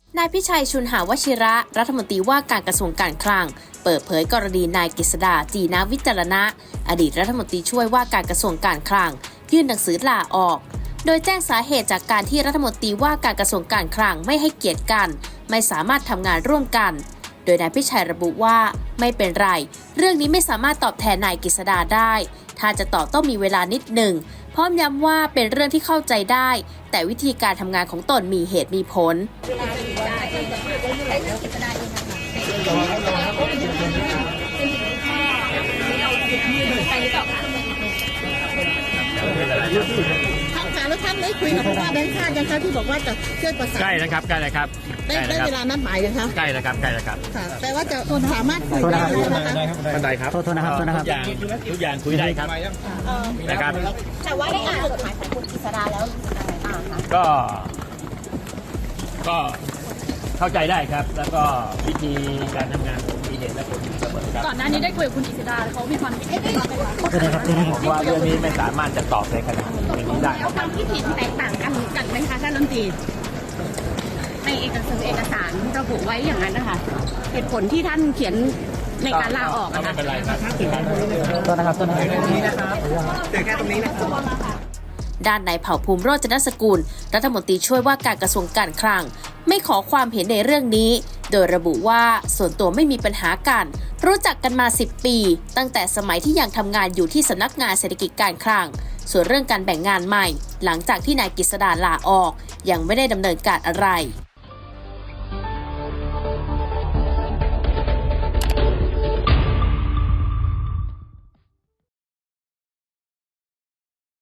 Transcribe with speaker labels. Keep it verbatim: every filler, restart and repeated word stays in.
Speaker 1: นายพิชัยชุนหาวชิระรัฐมนตรีว่าการกระทรวงการคลังเปิดเผยกรณีนายกฤษดาจีนะวิจารณะอดีตรัฐมนตรีช่วยว่าการกระทรวงการคลังยื่นหนังสือลาออกโดยแจ้งสาเหตุจากการที่รัฐมนตรีว่าการกระทรวงการคลังไม่ให้เกียรติกันไม่สามารถทำงานร่วมกันโดยนายพิชัยระบุว่าไม่เป็นไรเรื่องนี้ไม่สามารถตอบแทนนายกฤษดาได้ถ้าจะตอบต้องมีเวลานิดหนึ่งพร้อมย้ำว่าเป็นเรื่องที่เข้าใจได้แต่วิธีการทำงานของตนมีเหตุมีผล
Speaker 2: ค่ะแล้วท่านได้คุยกับผู้ว่าแบงค์ชาติยังคะที่บอกว่าจะช่วยประสาน
Speaker 3: ใกล้นะครับใกล้เลยครับ
Speaker 2: ได้ได้เวลานัดหมายยังคะ
Speaker 3: ใกล้แล้วครับใกล้แล้วครับ
Speaker 2: ค่ะแต่ว่าจะสามารถคุยได้นะคะ
Speaker 3: ท่านใดครับ
Speaker 4: โทษนะครับโทษนะครับ
Speaker 3: ทุกอย่างทุกอย่างคุยได้ครับนะครับ
Speaker 5: แต่ว่าได้อ่านจดหมายของคุณกฤษดาแล้วยังไงบ้างคะ
Speaker 3: ก็ก็เข้าใจได้ครับแล้วก็วิธีการทำงานมีเหตุและผลเสมอครับ
Speaker 6: ก่อนหน้านี้ได้คุยกับคุณกฤษดาเขามีความคิดเห็นยังไงบ้างคะ
Speaker 3: ผมว่าเรื่องนี้ไม่สามารถจะตอบในขณะนี้ได้
Speaker 5: แล้วความคิดเห็นแตกต่างกันกันไหมคะท่านรัฐมนตรีในเอกสารเอกสารระบุไว้อย่างนั้นนะคะเหตุผลที่ท่านเขียนในการลาออก
Speaker 3: ก็
Speaker 5: อะ
Speaker 3: ไม่
Speaker 5: ค่ะ
Speaker 3: เป็นไรครับ
Speaker 4: โทษนะครับโทษนะครับ
Speaker 1: ด้านนายเผ่าภูมิโรจนสกุลรัฐมนตรีช่วยว่าการกระทรวงการคลังไม่ขอความเห็นในเรื่องนี้โดยระบุว่าส่วนตัวไม่มีปัญหากันรู้จักกันมาสิบปีตั้งแต่สมัยที่ยังทำงานอยู่ที่สำนักงานเศรษฐกิจการคลังส่วนเรื่องการแบ่งงานใหม่หลังจากที่นายกฤษดาลาออกยังไม่ได้ดำเนินการอะไร